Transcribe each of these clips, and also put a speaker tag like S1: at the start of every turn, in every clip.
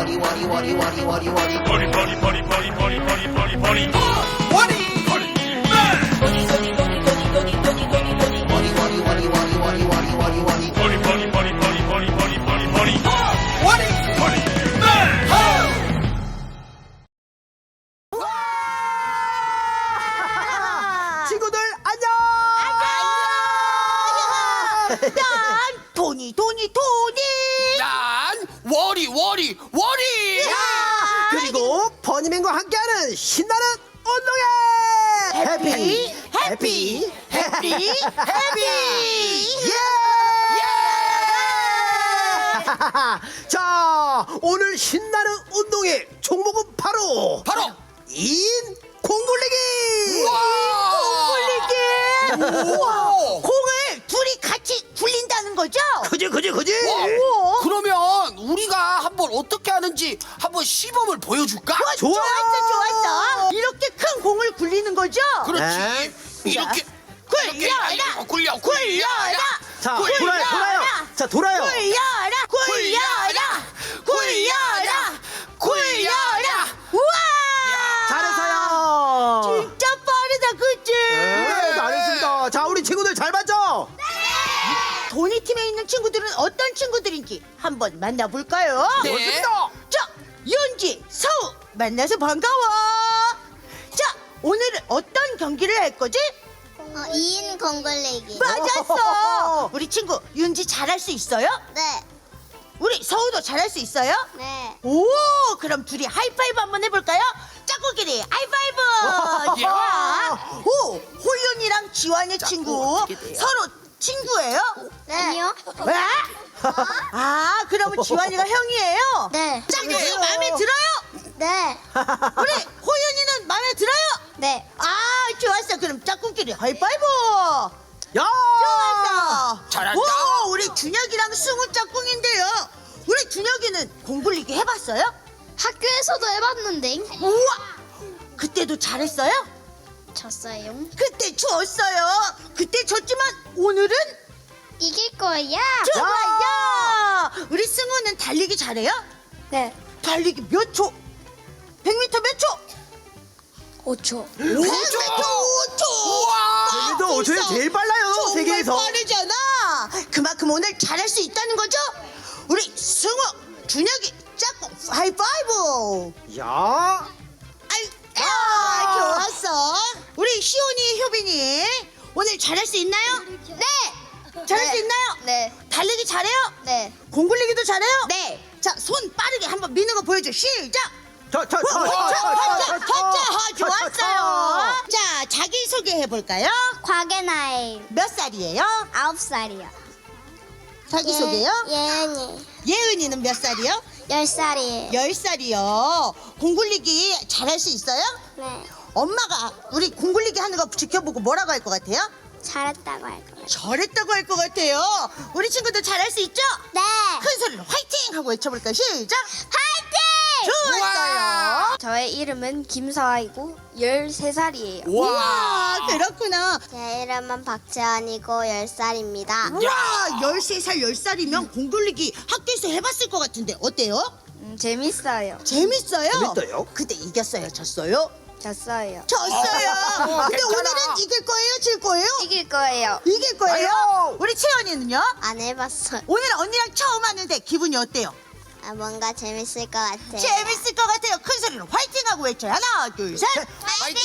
S1: 친구들 안녕!
S2: 난 토니.
S3: 난 워리.
S1: 그리고 버니맨과 함께하는 신나는 운동회! 해피! 예! 자, 오늘 신나는 운동회 종목은 바로 인 공굴리기!
S3: 우와!
S2: 공을 둘이 같이 굴린다는 거죠?
S1: 그지?
S3: 그러면 우리가 한번 어떻게 하는지 한번 시범을 보여줄까?
S2: 좋았어. 이렇게 큰 공을 굴리는 거죠?
S3: 그렇지.
S1: 네.
S3: 이렇게
S2: 굴려라.
S3: 굴려라.
S1: 자,
S2: 굴려라.
S1: 돌아요. 자, 돌아요.
S2: 굴려라. 우와!
S1: 잘했어요.
S2: 진짜 빠르다, 그치?
S1: 네, 잘했습니다. 자, 우리 친구들 잘 봤죠?
S2: 도니 팀에 있는 친구들은 어떤 친구들인지 한번 만나볼까요?
S3: 네.
S1: 좋습니다.
S2: 자, 윤지, 서우 만나서 반가워. 자, 오늘은 어떤 경기를 할 거지?
S4: 2인 공굴리기.
S2: 맞았어. 우리 친구 윤지 잘할 수 있어요?
S4: 네.
S2: 우리 서우도 잘할 수 있어요?
S4: 네.
S2: 오, 그럼 둘이 하이파이브 한번 해볼까요? 짝꿍끼리 하이파이브.
S1: 야.
S2: 오, 호윤이랑 지환의 친구
S3: 어떻게 돼요?
S2: 서로 친구예요?
S4: 네. 아니요.
S2: 왜? 아, 그러면 지환이가 형이에요?
S4: 네.
S2: 짝꿍이 마음에 들어요?
S4: 네.
S2: 우리 호윤이는 마음에 들어요?
S4: 네.
S2: 아, 좋았어. 그럼 짝꿍끼리 하이파이브.
S1: 야!
S2: 좋았어.
S3: 잘한다.
S2: 오, 우리 준혁이랑 승우 짝꿍인데요. 우리 준혁이는 공굴리기 해봤어요?
S4: 학교에서도 해봤는데
S2: 우와, 그때도 잘했어요?
S4: 졌어요.
S2: 그때 졌어요. 그때 졌지만 오늘은
S4: 이길 거야.
S2: 좋아요. 우리 승우는 달리기 잘해요?
S4: 네.
S2: 달리기 몇 초? 100m 몇 초?
S4: 5초.
S2: 5초.
S3: 우와!
S1: 도 5초에 제일 빨라요,
S2: 정말
S1: 세계에서.
S2: 빠르잖아. 그만큼 오늘 잘할 수 있다는 거죠? 우리 승우, 준혁이 짝꿍 하이파이브.
S1: 야!
S2: 좋았어. 우리 시온이, 효빈이 오늘 잘할 수 있나요?
S4: 네.
S2: 잘할 수 있나요?
S4: 네.
S2: 달리기 잘해요?
S4: 네.
S2: 공굴리기도 잘해요?
S4: 네.
S2: 자, 손 빠르게 한번 미는 거 보여줘. 시작. 좋았어요. 자, 자기 소개해 볼까요?
S4: 곽예나이
S2: 몇 살이에요?
S4: 9살이요.
S2: 자기 소개요?
S4: 예은이
S2: 예은이는 몇 살이요?
S4: 10살이에요.
S2: 10살이요. 공굴리기 잘할 수 있어요?
S4: 네.
S2: 엄마가 우리 공굴리기 하는 거 지켜보고 뭐라고 할 것 같아요?
S4: 잘했다고 할 거예요.
S2: 잘했다고 할 것 같아요. 우리 친구들 잘할 수 있죠?
S4: 네.
S2: 큰 소리로 화이팅! 하고 외쳐볼까요? 시작!
S4: 화이팅!
S2: 좋았어요.
S4: 저의 이름은 김서아이고 13살이에요.
S2: 우와, 그렇구나.
S4: 제 이름은 박재환이고 10살입니다.
S2: 우와, 13살, 10살이면 공굴리기 학교에서 해봤을 것 같은데 어때요?
S4: 재밌어요.
S2: 재밌어요?
S1: 재밌어요?
S2: 근데 이겼어요? 졌어요?
S4: 졌어요.
S2: 졌어요. 근데
S3: 괜찮아.
S2: 오늘은 이길 거예요? 질 거예요?
S4: 이길 거예요.
S2: 이길 거예요?
S1: 아유.
S2: 우리 채연이는요?
S4: 안 해봤어요.
S2: 오늘 언니랑 처음 하는데 기분이 어때요?
S4: 아, 뭔가 재밌을 것 같아요.
S2: 재밌을 것 같아요. 큰 소리로 화이팅하고 외쳐요. 하나, 둘, 셋.
S4: 화이팅!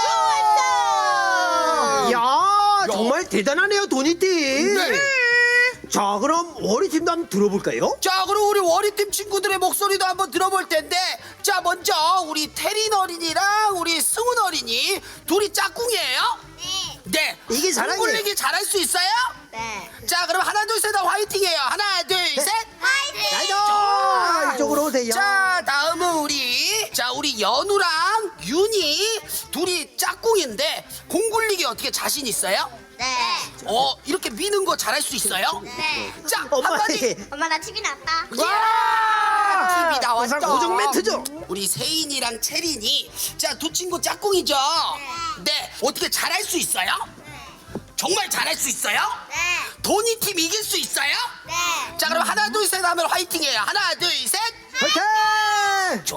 S2: 좋았어.
S1: 야, 정말 대단하네요, 도니팀.
S3: 네.
S1: 자, 그럼 워리팀도 한번 들어볼까요?
S3: 자, 그럼 우리 워리팀 친구들의 목소리도 한번 들어볼 텐데, 자, 먼저 우리 태린 어린이랑 우리 승훈 어린이 둘이 짝꿍이에요? 네.
S1: 이게 잘하네.
S3: 공굴리기 잘할 수 있어요?
S4: 네.
S3: 자, 그럼 하나 둘 셋 화이팅해요. 하나 둘 셋.
S4: 화이팅!
S1: 자, 이쪽으로 오세요.
S3: 자, 다음은 우리 연우랑 윤이 둘이 짝꿍인데 공굴리기 어떻게 자신 있어요?
S4: 네.
S3: 이렇게 미는 거 잘할 수 있어요?
S4: 네.
S3: 자,
S1: 엄마,
S3: 한마디.
S4: 엄마 나 TV 났다.
S3: 와! TV 나왔죠.
S1: 항상 고정 멘트죠.
S3: 우리 세인이랑 채린이 자, 두 친구 짝꿍이죠? 네. 어떻게 잘할 수 있어요? 정말 잘할 수 있어요?
S4: 네.
S3: 도니 팀 이길 수 있어요?
S4: 네.
S3: 자, 그럼 하나 둘 셋 하면 화이팅해요. 하나 둘 셋.
S1: 화이팅!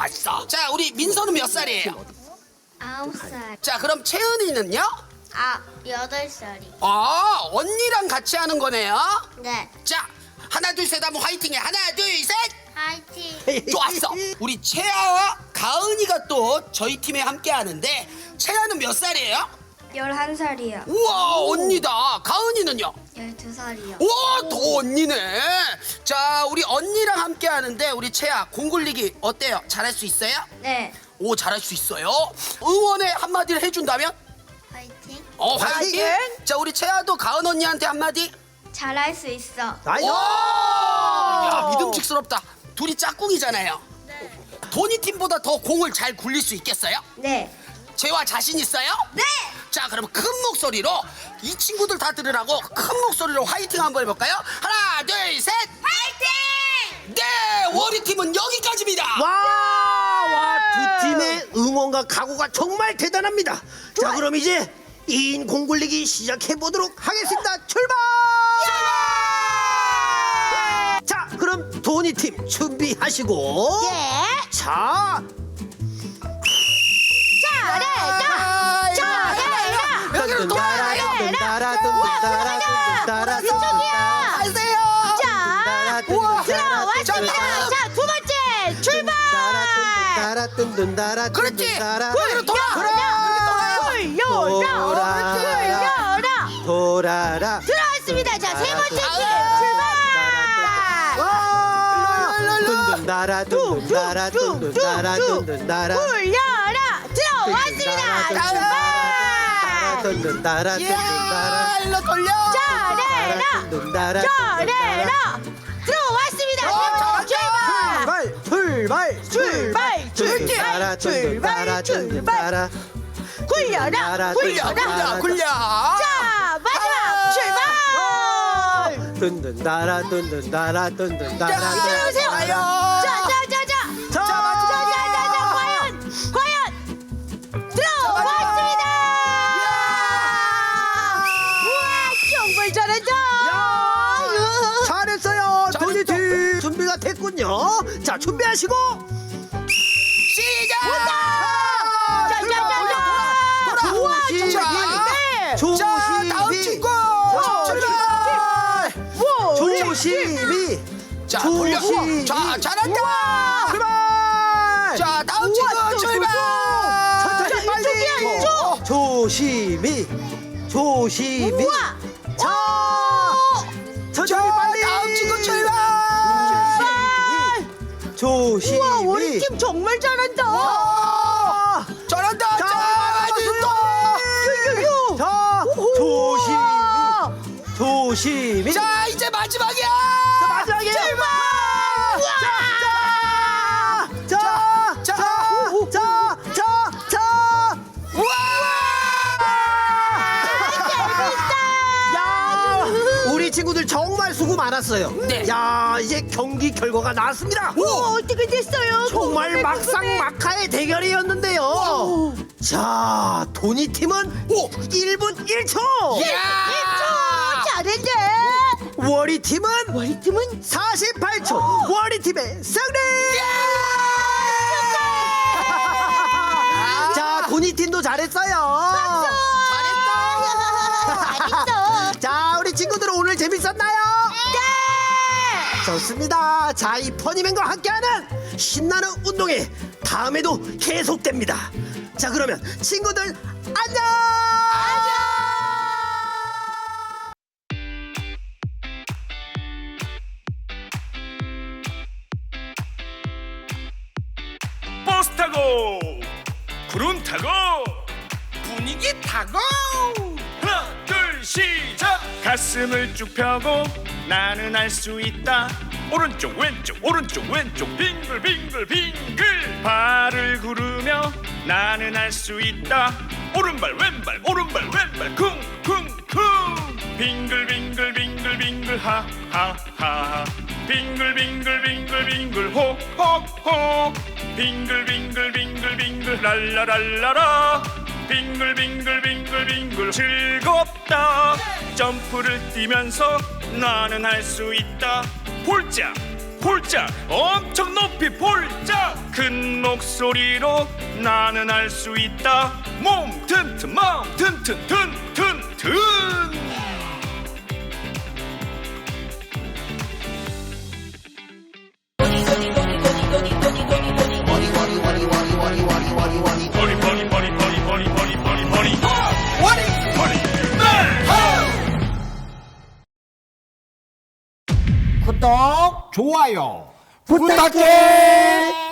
S3: 좋았어. 자, 우리 민서는 몇 살이에요?
S4: 9살.
S3: 자, 그럼 채은이는요?
S4: 8살이.
S3: 언니랑 같이 하는 거네요.
S4: 네.
S3: 자, 하나 둘 셋 하면 화이팅해. 하나 둘 셋.
S4: 화이팅.
S3: 좋았어. 우리 채아와 가은이가 또 저희 팀에 함께 하는데 채아는 몇 살이에요?
S4: 11살이요.
S3: 우와, 언니다. 가은이는요?
S4: 12살이요.
S3: 우와, 더 언니네. 자, 우리 언니랑 함께 하는데 우리 채아 공 굴리기 어때요? 잘할 수 있어요?
S4: 네.
S3: 오, 잘할 수 있어요. 응원의 한마디를 해준다면?
S4: 화이팅.
S3: 화이팅! 자, 우리 채아도 가은 언니한테 한마디.
S4: 잘할 수 있어.
S1: 나이스.
S3: 야, 믿음직스럽다. 둘이 짝꿍이잖아요. 도니 팀보다 더 공을 잘 굴릴 수 있겠어요?
S4: 네.
S3: 채아 자신 있어요?
S4: 네.
S3: 자, 그럼 큰 목소리로 이 친구들 다 들으라고 큰 목소리로 화이팅 한번 해볼까요? 하나, 둘, 셋.
S4: 화이팅!
S3: 네, 워리 팀은 여기까지입니다.
S1: 와, 두 팀의 응원과 각오가 정말 대단합니다. 자, 그럼 이제 2인 공 굴리기 시작해 보도록 하겠습니다. 출발! 자, 그럼 도니 팀 준비하시고.
S2: 예.
S1: 자,
S2: 잘해라. 잘해라.
S3: 여기로 돌아가요.
S2: 이쪽이야.
S3: 가세요.
S2: 자, 들어왔습니다. 자, 두 번째 출발.
S3: 그렇지. 여기로 돌아.
S2: 굴려라.
S1: 돌아라.
S2: 들어왔습니다. 자, 세 번째 팀
S3: 아,
S2: 출발.
S1: 둔둔다라 둔둔다라 둔둔다라 둔둔다라
S2: 굴려라. 들어왔습니다. 출발.
S1: 둔둔다라 둔둔다라
S3: 일로 돌려.
S2: 잘해라.
S1: 둔둔다라
S2: 잘해라. 들어왔습니다.
S1: 출발
S2: 출발.
S1: 둔둔다라 둔둔다라 둔둔다라
S2: 굴려라. 굴려라.
S3: 굴려.
S2: 자, 마지막 출발.
S1: 둔둔다라 둔둔다라 둔둔다라
S2: 들어오세요. 자, 과연 들어왔습니다. 우와, 정말 잘한다.
S1: 잘했어요. 도니팀 준비가 됐군요. 자, 준비하시고
S3: 시작.
S2: 우와,
S1: 조심히.
S2: 정말
S3: 자, 다음 친구. 출발.
S1: 조심히
S3: 자, 돌려.
S1: 조심히.
S3: 자, 잘한다.
S1: 출발.
S3: 자, 다음 친구 출발.
S1: 천천히 빨리.
S2: 이쪽.
S1: 조심히 조심히.
S2: 우와.
S1: 자, 천천히 빨리.
S3: 다음 친구 출발.
S1: 조심히.
S2: 우와, 우리 팀 정말 잘한다.
S1: 와.
S3: 잘한다.
S1: 자,
S2: 유유유.
S1: 자, 조심히 조심히.
S3: 자, 이제 마지막이야.
S1: 자, 마지막이에요.
S2: 출발.
S1: 자.
S3: 우와.
S1: 야, 우리 친구들 정말 수고 많았어요.
S3: 네.
S1: 야, 이제 경기 결과가 나왔습니다.
S2: 어떻게 됐어요?
S1: 정말 막상막하의 대결이었는데요. 자, 도니 팀은 1분 1초.
S3: 야.
S2: 잘했네.
S1: 워리 팀은
S2: 우리 팀은
S1: 48초. 워리 팀의 승리. 자, 도니 팀도 잘했어요.
S2: 잘했어.
S1: 자, 우리 친구들 오늘 재밌었나요?
S2: 네.
S1: 좋습니다. 자, 이 퍼니맨과 함께하는 신나는 운동회 다음에도 계속됩니다. 자, 그러면 친구들 안녕.
S5: 버스 타고 구름 타고 분위기 타고 하나 둘 시작 가슴을 쭉 펴고 나는 알 수 있다 오른쪽 왼쪽 오른쪽 왼쪽 빙글 빙글 빙글 발을 구르며 나는 알 수 있다 오른발 왼발 오른발 왼발 쿵쿵쿵 빙글 빙글 빙글 빙글 하하하 빙글 빙글 빙글 빙글 호호호 빙글 빙글 빙글 빙글 랄라랄라라 빙글 빙글 빙글 빙글 즐겁다 점프를 뛰면서 나는 할 수 있다 폴짝 폴짝 엄청 높이 폴짝 큰 목소리로 나는 알 수 있다. 몸 튼튼 마음 튼튼 튼튼튼.
S3: 구독, 좋아요 부탁해.